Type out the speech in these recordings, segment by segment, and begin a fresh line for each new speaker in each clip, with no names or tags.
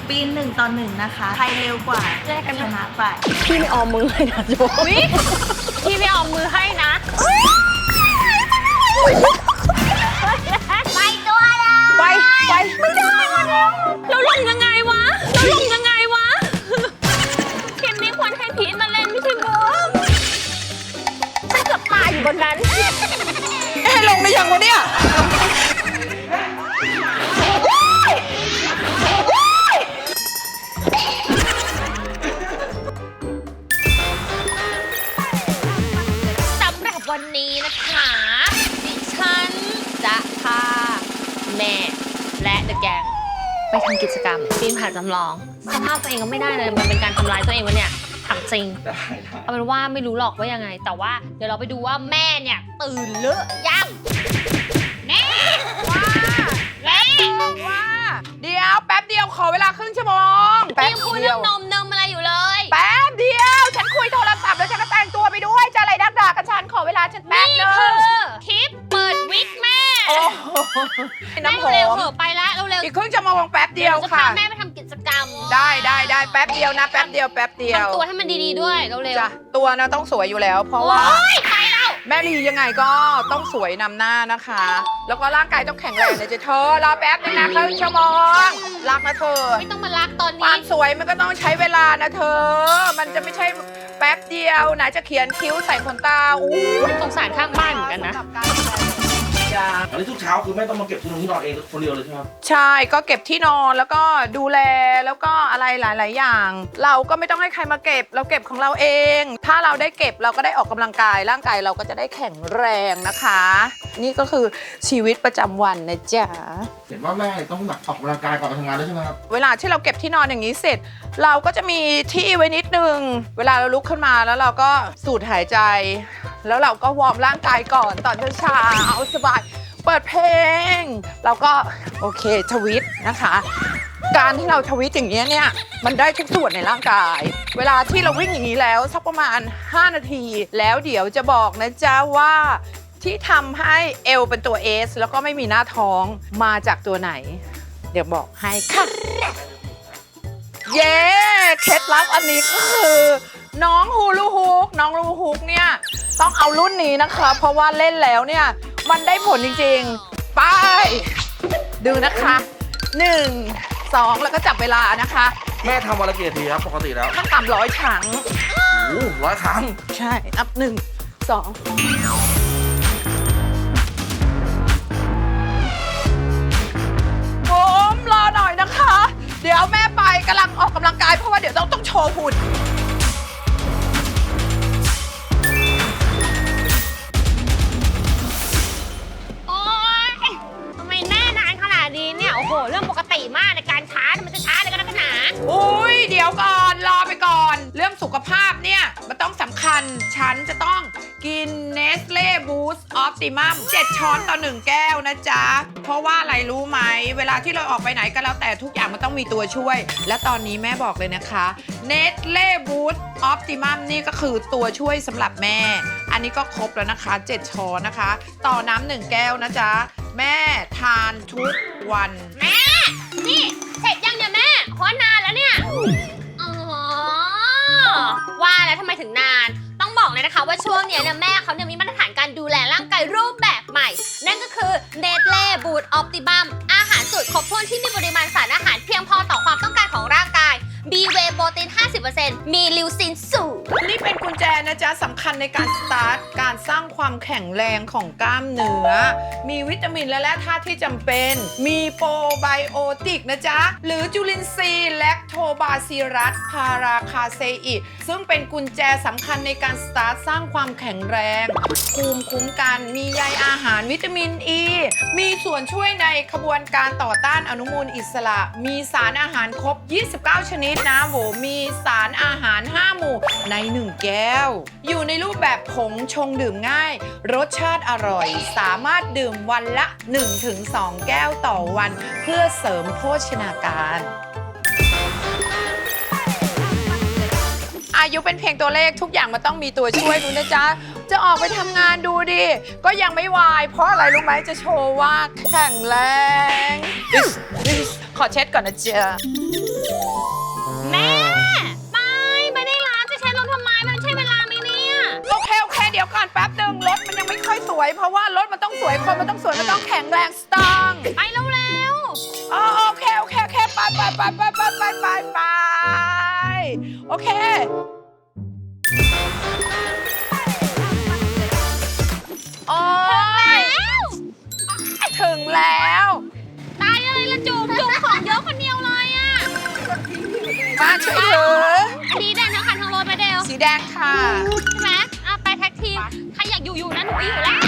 ปีน1-1นะคะ ใครเร็วกว่าแยกกันชนะไป
พี่ไม่ออมมือให้นะโจ
พี่ไม่ออมมือให้นะ
ไปตัวเลย
ไป
ไม่ได้เราลงยังไงวะเกมนี้ควรให้พีทมาเล่นไม่ใช่บูมฉันเกือบตายอยู่บนนั้น
ให้ลงได้ยังวะเนี่ย
สำหรับวันนี้นะคะดิฉันจะพาแม่และเดอะแกงไปทำกิจกรรมปีนผาจำลองสภาพตัวเองก็ไม่ได้เลยมันเป็นการทำลายตัวเองวะเนี่ยถามจริงเอาเป็นว่าไม่รู้หรอกว่ายังไงแต่ว่าเดี๋ยวเราไปดูว่าแม่เนี่ยตื่นหรือยังแม่
ว่าเดี๋ยวแป๊บเดียวขอเวลาครึ่งชั่วโมง
ยังคุยเรื่องนมอะไรอยู่เลย
แป๊บเดียวฉันคุยโทรศัพท์แล้วฉันก็แต่งตัวไปด้วยจะอะไรดักด่ากับฉันขอเวลาฉันแป๊บนึง
นี่คือคลิปเปิดวิกแม่
น้ำหอม
เร็วเถอะไปแล้วเร็ว
อีกครึ่งชั่วโมงแป๊บเดียวค่ะ
แม่ไปทำกิจกรรม
ได้แป๊บเดียวนะแป๊บเดียว
ทำตัวให้มันดีๆด้วยเร็ว
จ้ะตัวนะต้องสวยอยู่แล้วเพราะว่า
ไปแล้ว
แม่ลียังไงก็ต้องสวยนำหน้านะคะแล้วก็ร่างกายต้องแข็งแรงนะเธอรอแป๊บนึงนะครึ่งชั่วโมงรักนะเธอ
ไม่ต้องมารักตอนนี้
ความสวยมันก็ต้องใช้เวลานะเธอมันจะไม่ใช่แป๊บเดียวไหนจะเขียนคิ้วใส่ขนตา
สงสารข้างบ้านเหมือนกันนะ
อันนี้ทุกเช้าคือแม่ต้องมาเก็บที่นอนเองคนเดียวเลยใช่ไหมครับ
ใช่ก็เก็บที่นอนแล้วก็ดูแลแล้วก็อะไรหลายๆอย่าง เราก็ไม่ต้องให้ใครมาเก็บเราเก็บของเราเองถ้าเราได้เก็บเราก็ได้ออกกำลังกายร่างกายเราก็จะได้แข็งแรงนะคะนี่ก็คือชีวิตประจำวันนะจ๊ะ
เห็นว่าแม่ต้องแบบออกกำลังกายก่อนไปทำงานด้วยใช่ไหมครับ
เวลาที่เราเก็บที่นอนอย่างนี้เสร็จเราก็จะมีที่ไว้นิดนึงเวลาเราลุกขึ้นมาแล้วเราก็สูดหายใจแล้วเราก็วอร์มร่างกายก่อนตอนเช้าเอาสบายเปิดเพลงเราก็โอเคทวิตนะคะการที่เราทวิตอย่างนี้เนี่ยมันได้ทุกส่วนในร่างกายเวลาที่เราวิ่งอย่างนี้แล้วสักประมาณ5 นาทีแล้วเดี๋ยวจะบอกนะจ๊ะว่าที่ทำให้เอวเป็นตัว S แล้วก็ไม่มีหน้าท้องมาจากตัวไหนเดี๋ยวบอกให้ค่ะเย้เคล็ดลับอันนี้ก็คือน้องฮูลูฮุกเนี่ยต้องเอารุ่นนี้นะคะเพราะว่าเล่นแล้วเนี่ยมันได้ผลจริงๆไปดูนะคะ1 2แล้วก็จับเวลานะคะ
แม่ทำวันละกี่นาทีครับปกติแล้ว
ขั้นต่ำ100 ครั้ง
โอ้100 ครั้ง
ใช่นับ1 2ผมรอหน่อยนะคะเดี๋ยวแม่ไปกำลังออกกำลังกายเพราะว่าเดี๋ยวต้องโชว์หุ่น
โอ้โหเรื่องปกติมากในการช้ามันจะช้าเลยก็นักหนา
อุ้ยเดี๋ยวก่อนรอไปก่อนเรื่องสุขภาพเนี่ยมันต้องสำคัญฉันจะต้องกิน Nestle Boost Optimum 7 ช้อนต่อ1 แก้วนะจ๊ะเพราะว่าอะไรรู้ไหมเวลาที่เราออกไปไหนก็แล้วแต่ทุกอย่างมันต้องมีตัวช่วยและตอนนี้แม่บอกเลยนะคะ Nestle Boost Optimum นี่ก็คือตัวช่วยสำหรับแม่อันนี้ก็ครบแล้วนะคะ7 ช้อนนะคะต่อน้ำ1 แก้วนะจ๊ะแม่ทานทุกวัน
แม่นี่เสร็จยังเนี่ยแม่เพราะนานแล้วเนี่ยอ๋อว่าแล้วทำไมถึงนานต้องบอกเลยนะคะว่าช่วงนี้เนี่ยแม่เขาเนี่ยมีมาตรฐานการดูแลร่างกายรูปแบบใหม่นั่นก็คือ Nestle Boost Optimum อาหารสูตรครบถ้วนที่มีปริมาณสารอาหารเพียงพอต่อความต้องการของร่างกายB-Whey โปรตีน 50% มีลิวซินสูง
นี่เป็นกุญแจนะจ๊ะสำคัญในการสตาร์ทการสร้างความแข็งแรงของกล้ามเนื้อมีวิตามินและแร่ธาตุที่จำเป็นมีโปรไบโอติกนะจ๊ะหรือจุลินทรีย์แลคโทบาซิลัสพาราคาเซอิซึ่งเป็นกุญแจสำคัญในการสตาร์ทสร้างความแข็งแรงภูมิคุ้มกันมีใยอาหารวิตามินอ e, ีมีส่วนช่วยในขบวนการต่อต้านอนุมูลอิสระมีสารอาหารครบ29 ชนิดนะโหมีสารอาหาร5 หมู่ใน1 แก้วอยู่ในรูปแบบผงชงดื่มง่ายรสชาติอร่อยสามารถดื่มวันละ 1-2 แก้วต่อวันเพื่อเสริมโภชนาการอายุเป็นเพียงตัวเลขทุกอย่างมันต้องมีตัวช่วยดูนะจ๊ะจะออกไปทำงานดูดิก็ยังไม่วายเพราะอะไรรู้ไหมจะโชว์ว่าแข็งแรงขอเช็ดก่อนนะจ๊ะวยเพราะว่ารถมันต้องสวยคนมันต้องสวยมันต้องแข็งแรงสตรอง
ไปเร็ว
อ๋อโอเคไปโอเคโอ้ยถึงแล้ว
ๆตายเลยละจุ๋มของเยอะคนเดียวเลยอ่ะ
มาช่วยถือ
อันนี้แดงทั้งคันทั้งรถไปเดว
สีแดงค่ะ
ใช่ไหมไปแท็กทีมใครอยากอยู่นะหนูอยู่แล้ว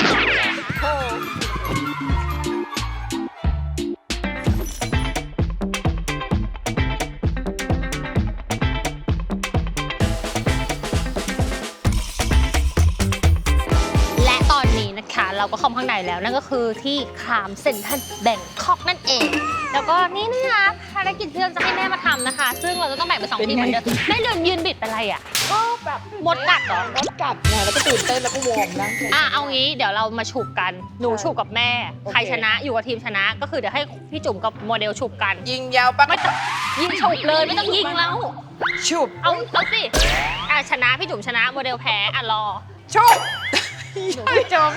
และตอนนี้นะคะเราก็เข้าข้างในแล้วนั่นก็คือที่ครามเซ็นทรัลแบงคอกนั่นเอง แล้วก็นี่นะคะภารกิจที่เราจะให้แม่มาทำนะคะ ซึ่งเราจะต้องแบ่งเป็น2ทีมเหมือนเดิมแม่ยืนบิดเป็นไรอ่ะ
ก็แบบ
มดกัดเหรอ
รถกัดไงแล้วก็ตื่นเต้นแล้วก็วอร์มร่างกาย
เอางี้เดี๋ยวเรามาฉุบกันหนูฉุบกับแม่
โอเค
ใครชนะอยู่กับทีมชนะ ก็คือเดี๋ยวให้พี่จุ๋มกับโมเดลฉุบกัน
ยิงยาวปะ
ไม่ต้องยิงฉุบเลยไม่ต้องยิงแล้ว
ชุบ
เอาสิชนะพี่จุ๋มชนะโมเดลแพ้รอ
ชุบจม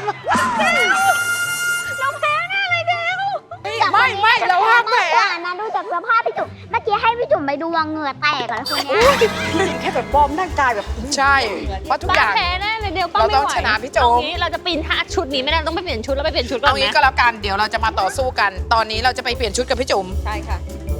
เราแพ้แน่เลยเดว
ไม่เราห้ามแผล
นะดูจากสภาพพี่จุ๋มเมื่อกี้ให้พี่จุ๋มไปดูเหงื่อแตกแล้วคนเนี้ย
แค่แบบบอร์มร่างกายแบบ
ใช่เพราะทุกอย่าง
แพ้แน่เลยเดวป้า
เรา
ไม่
ต้อง
ไหว
ชนะพี่โจ๊ก
เอางี้เราจะปีนท่าชุดนี้ไม่ได้ต้องไปเปลี่ยนชุดแล้วไปเปลี่ยนชุดก่อ
เอา
น
งี้
นะ
ก็แล้วกันเดี๋ยวเราจะมาต่อสู้กัน ตอนนี้เราจะไปเปลี่ยนชุดกับพี่จุ๋ม
ใช่ค่ะ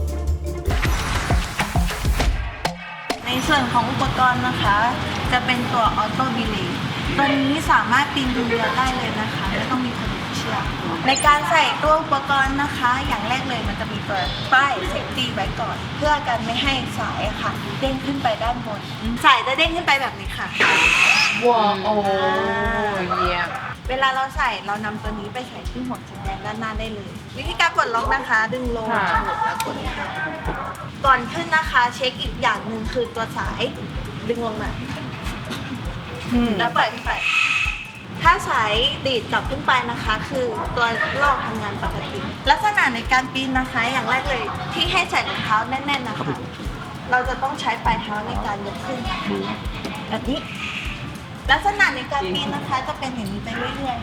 ในส่วนของอุปกรณ์นะคะ จะเป็นตัวออโต้บิลีตัวนี้สามารถปีนดูเรือได้เลยนะคะไม่ต้องมีคนเชือกในการใส่ตัวอุปกรณ์นะคะ อย่างแรกเลยมันจะมีตัวป้ายเซฟตี้ไว้ก่อน เพื่อกันไม่ให้สายอะค่ะ เด้งขึ้นไปด้านบนสายจะเด้งขึ้นไปแบบนี้ค่ะ
ว้าวโอ้ยเยี่ยม
เวลาเราใส่เรานำตัวนี้ไปใส่ที่หัวสีแดงด้านหน้าได้เลย วิธีการปลดล็อกนะคะ ดึงลงแล้วกดค่ะก่อนขึ้นนะคะ เช็คอีกอย่างหนึ่งคือตัวสายดึงลงมาแล้วปล่อยขึ้นไป ถ้าสายดีดกลับขึ้นไปนะคะ คือตัวลอกทำงานปกติ ลักษณะในการปีนนะคะ อย่างแรกเลยที่ให้ใส่รองเท้าแน่นๆนะคะ เราจะต้องใช้ปลายเท้าในการยกขึ้นแบบนี้ ลักษณะในการปีนนะคะจะเป็นอย่างนี้ไปเรื่อย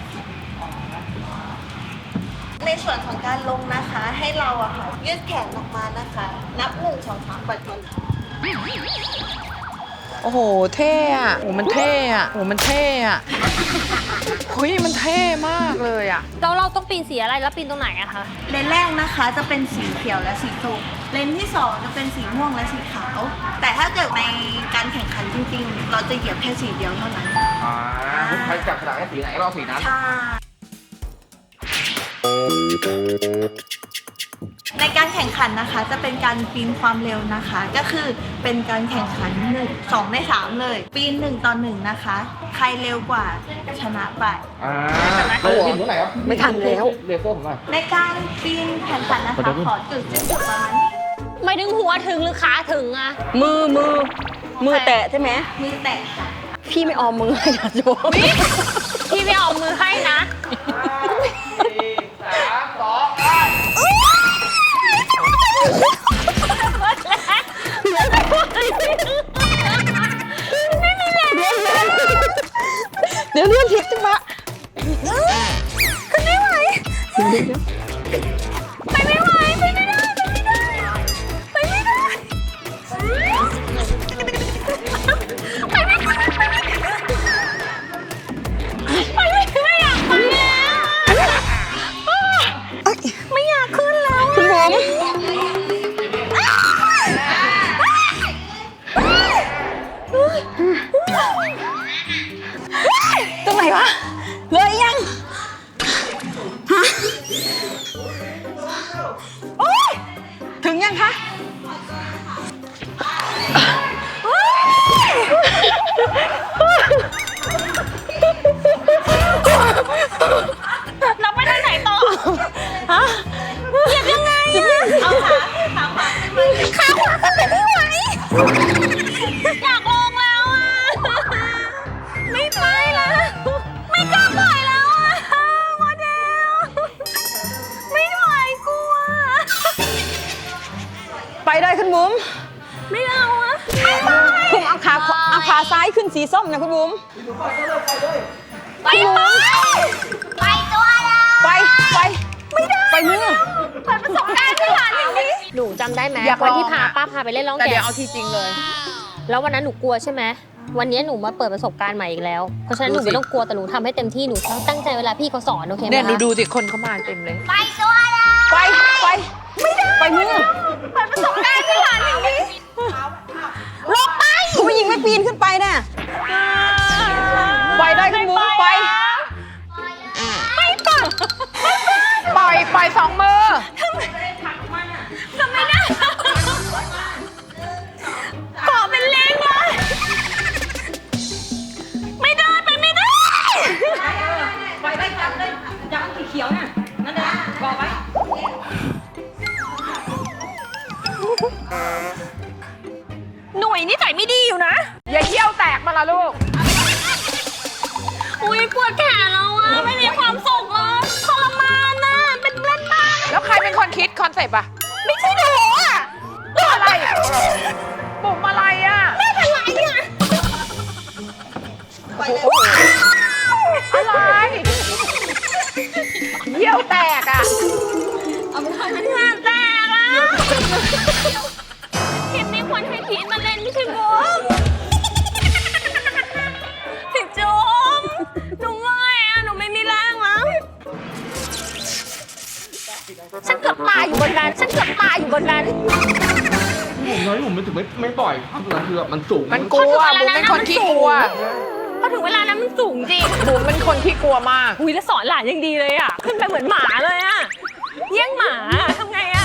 ๆ ในส่วนของการลงนะคะ ให้เราอะค่ะยืดแขนออกมานะคะ นับ1 2 3ปล่อยตัว
โอ้โหเท่อะโอ้มันเท่อะโอ้มันเท่อะเฮ้ยมันเท่มากเลยอะ
แล้วเราต้องปีนสีอะไรแล้วปีนตรงไหนอะคะ
เลนแรกนะคะจะเป็นสีเขียวและสีส้มเลนที่2จะเป็นสีม่วงและสีขาว แต่ถ้าเกิดในการแข่งขันจริงๆ เราจะเหยียบแค่สีเดียวเท่านั้น
ใครจับฉลากให้สีไหนก็เอาสีนั้น
ใช่ในการแข่งขันนะคะจะเป็นการปีนความเร็วนะคะ ก็คือเป็นการแข่งขัน2 ใน 3 เลย ปีน1 ต่อ 1นะคะ ใครเร็วกว่าชนะไป
เราจะกินเท่าไหร่ครับ
ไม่ทันแล้ว
เลเซอร์ผมหน่อย
ในการปีนแข่งขันนะคะขอจุดสิ้นสุดประมาณนี้
ไม่ถึงหัวถึงหรือขาถึงอะ
มือแตะใช่ไหม
มือแตะค่ะ
พี่ไม่ออมมือให้นะโจ
พี่ไม่เอามือให้นะ
เดี๋ยวเรื่องทิพย์จังวะ
ไม่อยากขึ้นแล้ว
คุณผม ตรงไหนวะ เลยยัง ฮะ โอ๊ย ถึงยังคะ
เราไปทางไหนต่อ
ฮะ
เหยียบยังไงอะ
เอาขาขวาขึ้นไป
ขาขวาขึ้นไปไม่ไหวอยากลงแล้วอะไม่ไปแล้ว ไม่กล้าปล่อยแล้วอะโมเดล ไม่ไหวกลัว
ไปได้คุณบุ๋ม
ไม่เอาอะไม่ไป
คุณเอาขาซ้ายขึ้นสีส้มนะคุณบุ๋ม
ไปไปตัวเรา
ไปไม่ได้ไปมือ
เปิดประสบการณ์ให้หลานอย่างนี้หนูจำได้ไหม
อยากลอง
วันที่ป้าพาไปเล่นร้อง
แต่
แก
เดี๋ยวเอาทีจริงเลย
แล้ววันนั้นหนูกลัวใช่ไหมวันนี้หนูมาเปิดประสบการณ์ใหม่อีกแล้วเพราะฉะนั้นหนูไม่ต้องกลัวแต่หนูทำให้เต็มที่หนูตั้งใจเวลาพี่เขาสอนโอเคไหม
เนี่ย
คะ
ดูสิคนเขามาเต็มเลย
ไปตัวเรา
ไปไม่ได้ไปมือ
เปิดประสบการณ์ให้หลานอย่างนี้
ลงไปผู้หญิงไม่ปีนขึ้นไปน่ะ
ไปได้ขึ้นมือไปปล่อยสองมือ
ทำไมนะเกาะเป็นเลงเลยไม่ได้ไปไม่ได้
ไปได้จับเลยจับสีเขียวน่ะนั่นแหละบอกไว้
หน่วยนิสัยไม่ดีอยู่นะ
อย่าเยี่ยวแตกมาละลูก
อุ้ยปวดแขนแล้วอ่ะไม่มีความสุขเลยทรมานนะเป็นเล่นมาก
แล้วใครเป็นคนคิดคอนเซปต์อะ
ไม่ใช่หนูอ่ะ
อะไรปุ่มอะไรอะ
แม่เป็นไรอ่ะ
อะไรเยี่ยวแตกอะ
งานแตกอ่ะคลิปนี้ควรให้พีทมาเล่นไม่ใช่บุ๊กพี่จุ๊บหนูเมื่อยอ่ะหนูไม่มีแรงแล้วฉันเกือบตายอยู่บนนั้นฉันเกือบตายอยู่บนนั้น
ผมน้อยผมมันถึงไม่ปล่อยภาพนั้นคือแบบมันสูง
มันกลัวบุ๋มเป็นคนขี้กลัว
พอถึงเวลานั้นมันสูงจริง
บุ๋มเป็นคนขี้กลัวมาก
อุ้ยแล้วสอนหลานยังดีเลยอ่ะ ขึ้นไปเหมือนหมาเลยอ่ะเยี่ยงหมาทำไงอ่ะ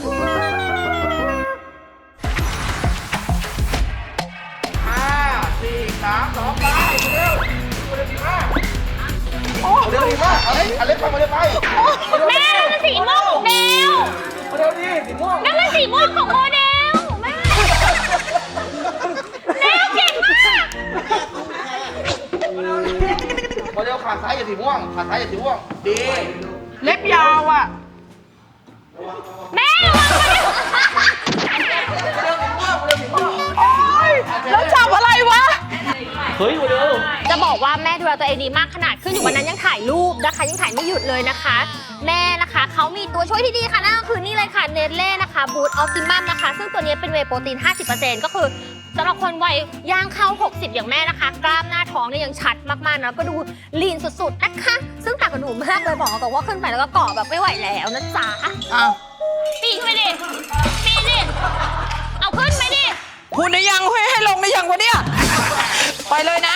4 3 2ไปเร็วเร็วดีมากเร็วดีมากเอาเล็กไปมาเร็วไป
แม่นั่นมันสีม่วงของเดว
เร็วดีสีม่วง
นั่นมันสีม่วงของโมเดลแม่เดวเก่งมาก
มาเร็วขาซ้ายอย่าสีม่วงขาซ้ายอย่าสีม่วงดี
เล็บยาวอะ
แม่ระวังนะ
แล้วจับอะไรวะ
เฮ้ยเร็ว
จะบอกว่าแม่ดูแลตัวเองดีมากขนาดขึ้นอยู่วันนั้นยังถ่ายรูปนะคะยังถ่ายไม่หยุดเลยนะคะ แม่นะคะเขามีตัวช่วยที่ดีค่ะนั่นก็คือนี่เลยค่ะเนเล่นะคะบูทออ t ติมัมนะคะซึ่งตัวนี้เป็นเวย์โปรตีน 50% ก็คือสำหรับคนวัยย่างเข้า 60 อย่างแม่นะคะ กล้ามหน้าท้องเนี่ยยังชัดมากๆนะก็ดูลีนสุดๆนะคะ ซึ่งต่างกับหนูมากเลยบอกตรงว่าขึ้นไปแล้วก็เกาะแบบไม่ไหวแล้วนะจ๊ะ
อ้าว
ปีนขึ้นไปดิปีนดิเอาขึ้นไปดิ
คุณได้ยังให้ลงได้ยังวะเนี่ย ไปเลยนะ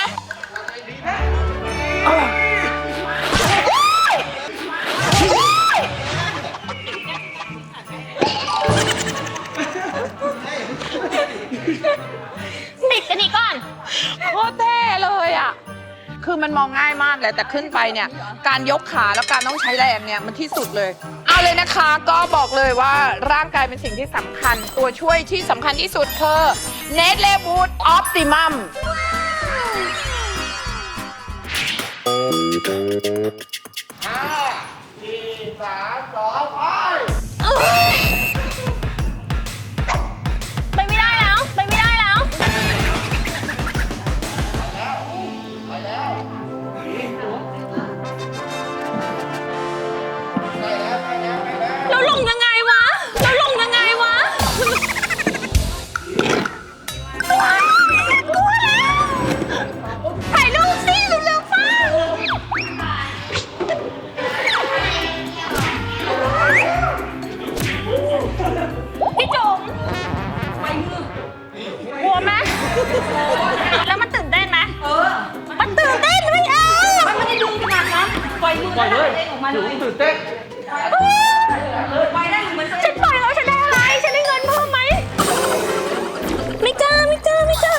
ติดกันอีกก่อน
โคตรเท่เลยอ่ะ คือมันมองง่ายมากเลยแต่ขึ้นไปเนี่ย การยกขาแล้วการต้องใช้แรงเนี่ยมันที่สุดเลย เอาเลยนะคะก็บอกเลยว่าร่างกายเป็นสิ่งที่สำคัญ ตัวช่วยที่สำคัญที่สุดคือเนสเลบูทออ t ติมัม
ไปไม่ได้แล้วไปไม่ได้แล้วเราลงยังไงวะเราลงยังไงวะกลัวแล้วถ่ายรูปสิเร็วๆฟ้าพี่จุ๋มกลัวไหมแล้วมันตื่นเต้นไหมมันตื่นเต้นไม่เอา
มันไม่ได้ดึงขนาดนั้นปล่อยมือ
ปล่อยเลย
เองออกมาเล
ถึง
ย
ตื่นเต้น
ปล่อยได้เหมือน
ฉันปล่อยแล้วฉันได้อะไร ฉันได้เงินเพิ่มไหม ไม่กล้าไม่กล้าไม่กล้า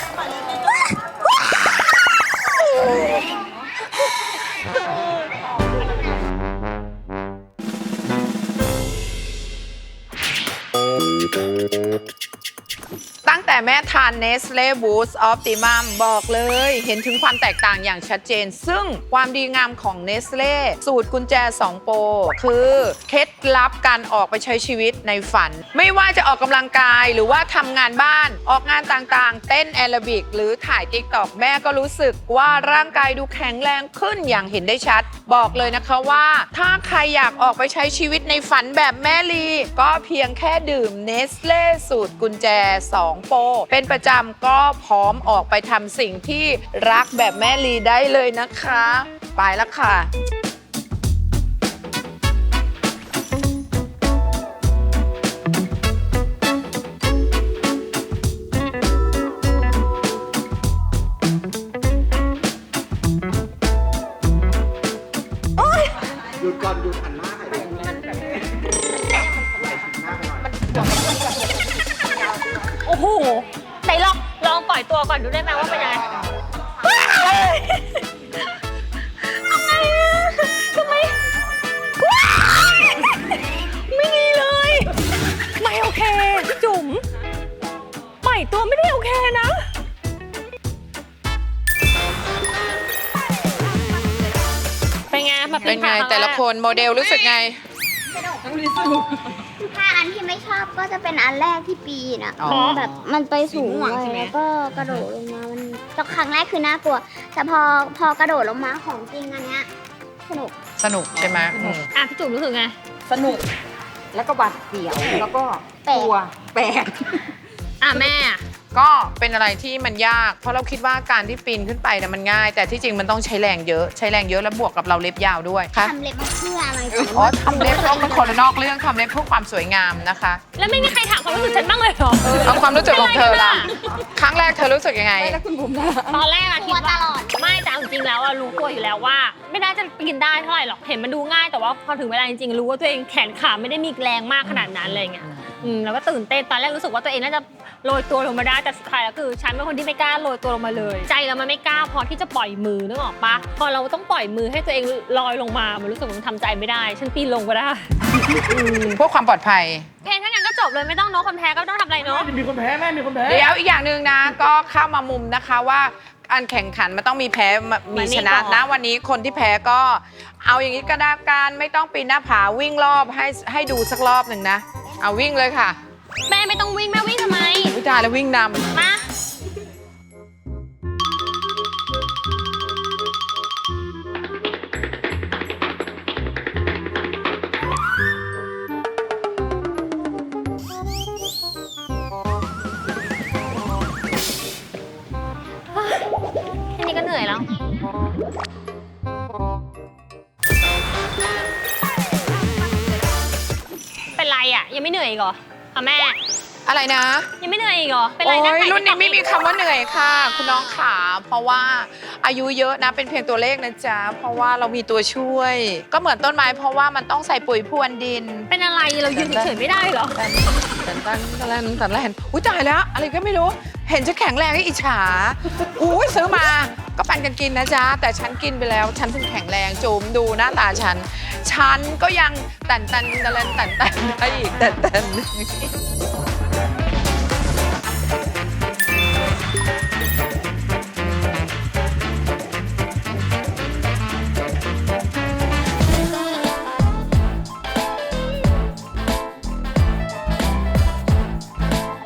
แต่แม่ทาน Nestle Boost Optimum บอกเลยเห็นถึงความแตกต่างอย่างชัดเจน ซึ่งความดีงามของ Nestle สูตรกุญแจ 2 โปรคือเคล็ดลับการออกไปใช้ชีวิตในฝัน ไม่ว่าจะออกกำลังกายหรือว่าทำงานบ้านออกงานต่างๆ เต้นแอโรบิกหรือถ่าย TikTok แม่ก็รู้สึกว่าร่างกายดูแข็งแรงขึ้นอย่างเห็นได้ชัด บอกเลยนะคะว่าถ้าใครอยากออกไปใช้ชีวิตในฝันแบบแม่ลีก็เพียงแค่ดื่ม Nestle สูตรกุญแจ 2 โปรเป็นประจำก็พร้อมออกไปทำสิ่งที่รักแบบแม่ลีได้เลยนะคะ ไปแล้วค่ะ
หยุดก่อนหยุดหันหน้าให้ดูมันแบบหน้าไปหน่อย
โอ้โหไหนลองปล่อยตัวก่อนดูได้ไหมว่าเป็นยังไงทำไมไม่ดีเลย ไม่โอเคพี่จุ๋มปล่อยตัวไม่ได้โอเคนะ เป็นไงแบบ
เป็นไงแต่ละคนโมเดลรู้สึกไง
ถ้าอันที่ไม่ชอบก็จะเป็นอันแรกที่ปีนอ่ะ
อ๋อ
แบบมันไปสูงเลยแล้วก็กระโดดลงมามันตอนครั้งแรกคือน่ากลัว แต่พอกระโดดลงมาของจริงอันเนี้ยสนุก
สนุกใช่ไหมอืม
อ่ะพี่จุ๋มรู้สึกไง
สนุก แล้วก็บาดเสียว แล้วก็
แปลก
กลัวแปลก
อ่ะแม่
ก็เป็นอะไรที่มันยาก เพราะเราคิดว่าการที่ปีนขึ้นไปเนี่ยมันง่าย แต่ที่จริงมันต้องใช้แรงเยอะ ใช้แรงเยอะแล้วบวกกับเราเล็บยาวด้วยค่ะ
ทำเล็บมาเพื่ออะไร
อ๋อทำเล็บต้องเป็นคนละนอกเรื่องทำเล็บเพื่อความสวยงามนะคะ
แล้วไม่มีใครถามความรู้สึกฉันบ้างเลยเหรอ
เอาความรู้สึกของเธอล่ะครั้งแรกเธอรู้สึกยังไง
แล้วคุณบุ๋มนะ
ตอนแรกอะ
ก
คิ
ลั
ด
วต
ว่า
ลอด
ไม่แต่เอาจริงๆแล้วอะรู้ตัวอยู่แล้วว่า ไม่น่าจะปีนได้เท่าไหร่หรอกเห็นมันดูง่ายแต่ว่าพอถึงเวลาจริงๆรู้ว่าตัวเองแขนขาไม่ได้มีแรงมากขนาดนั้นอะไรเงี้ยแล้วก็ตื่นเต้นตอนแรกรู้สึกว่าตัวเองน่าจะโรยตัวลงมาได้แต่สุดท้ายแล้วคือฉันเป็นคนที่ไม่กล้าโรยตัวลงมาเลย ใจเรามันไม่กล้าพอที่จะปล่อยมือนึกออกปะพอเราต้องปล่อยมือให้ตัวเองลอยลงมามันรู้สึกมันทำใจไม่ได้ ฉันปีนลงก็ได้
พวกความปลอดภัย
เพลงถ้างั้นก็จบเลยไม่ต้องเนาะคนแพ้ก็ไม่ต้องทำอะไรเนาะ
มีคนแพ้แม่มีคนแพ้
เดี๋ยวอีกอย่างหนึ่งนะ ก็เข้ามามุมนะคะว่าการแข่งขันมันต้องมีแพ้มีชนะนะวันนี้คนที่แพ้ก็เอาอย่างนี้ก็ได้การไม่ต้องปีนหน้าผาวิ่งรอบให้ดูสักรอบหนึ่งนะ เอาวิ่งเลยค่ะ
แม่ไม่ต้องวิ่งแม่วิ่งทำไม
วิจารแล้ววิ่งนำ
มาแค่นี้ก็เหนื่อยแล้ว เป็นไรอ่ะ ยังไม่เหนื่อยอีกเหรอคะแม่
อะไรนะ
ยังไม่เหนื่อยอีกเหรอ เป็นไร
โอ้
นะ
ย
ถ่าย
รุ่นนี้
TikTok
ไม่มีคำว่าเหนื่อยค่ะ คุณน้องขาเพราะว่าอายุเยอะนะเป็นเพียงตัวเลขนะจ๊ะเพราะว่าเรามีตัวช่วย ก็เหมือนต้นไม้เพราะว่ามันต้องใส่ปุ๋ยพรวนดิน
เป็นอะไรเรายืนเฉยๆไม่ได้เหรอ
แต่ละเห็นอุ้ยตายแล้ว อะไรก็ไม่รู้ เห็นจะแข็งแรงให้อิจฉาอุ้ยซื้อมาก็ปันกันกินนะจ๊ะ แต่ฉันกินไปแล้ว ฉันถึงแข็งแรงจูมดูหน้าตาฉัน ฉันก็ยังตันได้อีกตัน